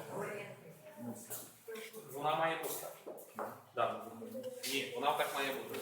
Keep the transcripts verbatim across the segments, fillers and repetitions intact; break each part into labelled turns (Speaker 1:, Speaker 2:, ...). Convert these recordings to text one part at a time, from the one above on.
Speaker 1: Вона має бути так. Да. Ні, вона так має бути.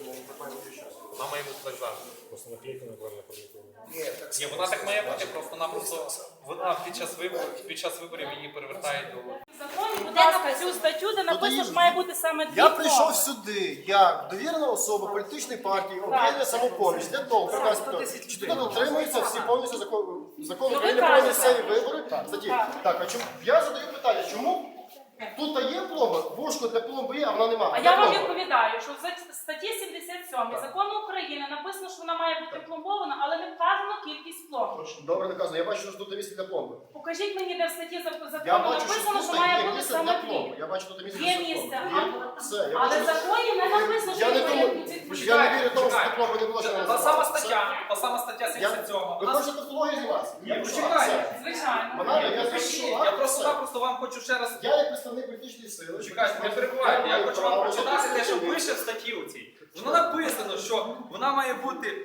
Speaker 1: Вона має бути так завжди.
Speaker 2: Просто наклейку неправильно продиктовано.
Speaker 1: Ні, вона так має бути, просто-напросто вона під час виборів, під час виборів її перевертають до...
Speaker 3: Законі, будь ласка, цю статтю, де написано, що має бути саме дві
Speaker 4: Я прийшов
Speaker 3: мови.
Speaker 4: сюди, як довірена особа політичної партії «Об'єднання «Самопоміч» для того, показати, чи тут дотримуються всі повністю закон, закону
Speaker 3: Ну, ви
Speaker 4: України про
Speaker 3: кажете.
Speaker 4: місцеві вибори. Статті.
Speaker 3: Так.
Speaker 4: Так, а чому я задаю питання, чому тут є пломба, вушко для пломби є, а вона немає?
Speaker 3: А я вам відповідаю, що в статті сімдесят сьомій закону України написано, що вона має бути пломбована, але не вказано кількість пломб.
Speaker 4: Добре наказано, я бачу, що тут місце для пломби.
Speaker 3: Покажіть мені, де в статті зак-
Speaker 4: Я
Speaker 3: закону
Speaker 4: бачу, що
Speaker 3: написано, що
Speaker 4: тут
Speaker 3: має
Speaker 4: є
Speaker 3: бути
Speaker 4: місце
Speaker 3: саме
Speaker 4: для пломби.
Speaker 3: дві.
Speaker 4: Я бачу, тут місце
Speaker 3: Є
Speaker 4: для
Speaker 3: місце,
Speaker 4: пломби.
Speaker 3: а-
Speaker 4: Все, я
Speaker 3: Але
Speaker 4: бачу,
Speaker 3: в законі не написано, що
Speaker 4: я не
Speaker 3: має
Speaker 4: думаю,
Speaker 3: бути.
Speaker 4: я не вірю тому, що для пломби не було ще
Speaker 1: Та сама стаття, та сама стаття сімдесят сьома.
Speaker 4: Ви хочете технологію зніматися?
Speaker 1: Я почекаю.
Speaker 3: Звичайно.
Speaker 4: Вона, я
Speaker 1: Я
Speaker 4: запишу,
Speaker 1: просто-напросто вам хочу ще раз...
Speaker 4: Я як представник політичної сили.
Speaker 1: Чекайте, не перебувайте. Я хочу вам прочитати те, що пише в статті у цій. Воно написано, що вона має бути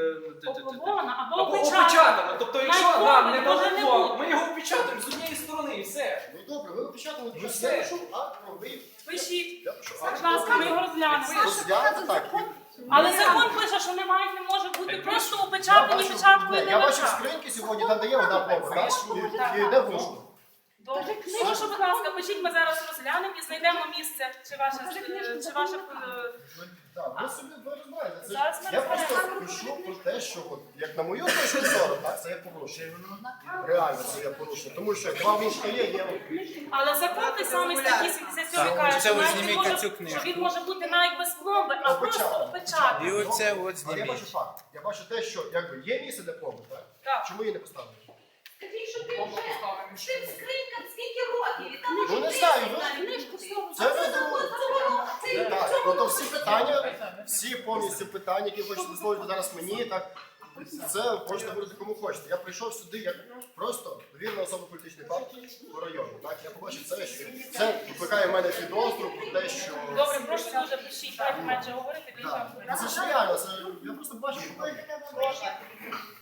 Speaker 1: е,
Speaker 3: Опломбована або
Speaker 1: або
Speaker 3: опечатана.
Speaker 1: опечатана. Тобто, якщо
Speaker 3: Навіть
Speaker 1: нам не
Speaker 3: може
Speaker 1: дадуть
Speaker 3: не
Speaker 1: пломб,
Speaker 3: бути.
Speaker 1: ми його опечатаємо з однієї сторони і все.
Speaker 4: Ну добре, ви опечатали,
Speaker 1: Ну,
Speaker 4: я
Speaker 1: все.
Speaker 4: пишу акт про виїзд.
Speaker 3: Пишіть.
Speaker 4: Я пишу
Speaker 3: Будь
Speaker 4: акт
Speaker 3: ласка, ми його розглянемо.
Speaker 4: розглянути так.
Speaker 3: Але закон пише, що немає, не може бути просто
Speaker 4: Я
Speaker 3: опечатані
Speaker 4: бачу,
Speaker 3: печаткою
Speaker 4: не,
Speaker 3: на
Speaker 4: я бачу
Speaker 3: очах.
Speaker 4: скриньки сьогодні, там де є одна пломба, так? І- І де вушко.
Speaker 3: Добре. Прошу, будь ласка, пишіть, ми зараз розглянемо і знайдемо місце, чи ваше, е, чи ваше е,
Speaker 4: Так, ви собі ви знаєте. Це
Speaker 3: Зараз
Speaker 4: ж-
Speaker 3: ми
Speaker 4: я просто
Speaker 3: розберемо.
Speaker 4: пишу про те, що от, як на мою точку зору, так, це є порушення. Реально це є порушення. Тому що два вушка є, є.
Speaker 3: Але закон той самий статті сімдесят сьомій каже, що навіть не може, що він може бути навіть без пломби, а просто опечатаний.
Speaker 5: І оце от
Speaker 4: Але я
Speaker 5: зніміть.
Speaker 4: бачу факт. Я бачу те, що якби є місце для пломби, так?
Speaker 3: Так.
Speaker 4: Чому її не поставили?
Speaker 6: Скажіть, що ти вже цим скринькам скільки років, і там
Speaker 4: Ну,
Speaker 6: може
Speaker 4: не
Speaker 6: тридцять
Speaker 4: знаю, ви-
Speaker 6: навіть.
Speaker 4: Це
Speaker 6: А
Speaker 4: ви
Speaker 6: це
Speaker 4: думаєте.
Speaker 6: закон цього, це
Speaker 4: Так,
Speaker 6: цього
Speaker 4: ну то
Speaker 6: року.
Speaker 4: всі питання, всі повністю питання, які хочете висловити зараз мені, так, це можете говорити кому хочете. Я прийшов сюди як просто довірна особа політичної партії по району. Так, я побачив це, що це викликає в мене підозру про те, що...
Speaker 3: Добре, прошу дуже пишіть, так менше говорити, більше
Speaker 4: Так,
Speaker 3: говорити.
Speaker 4: це ж реально, це, я просто бачу, що там.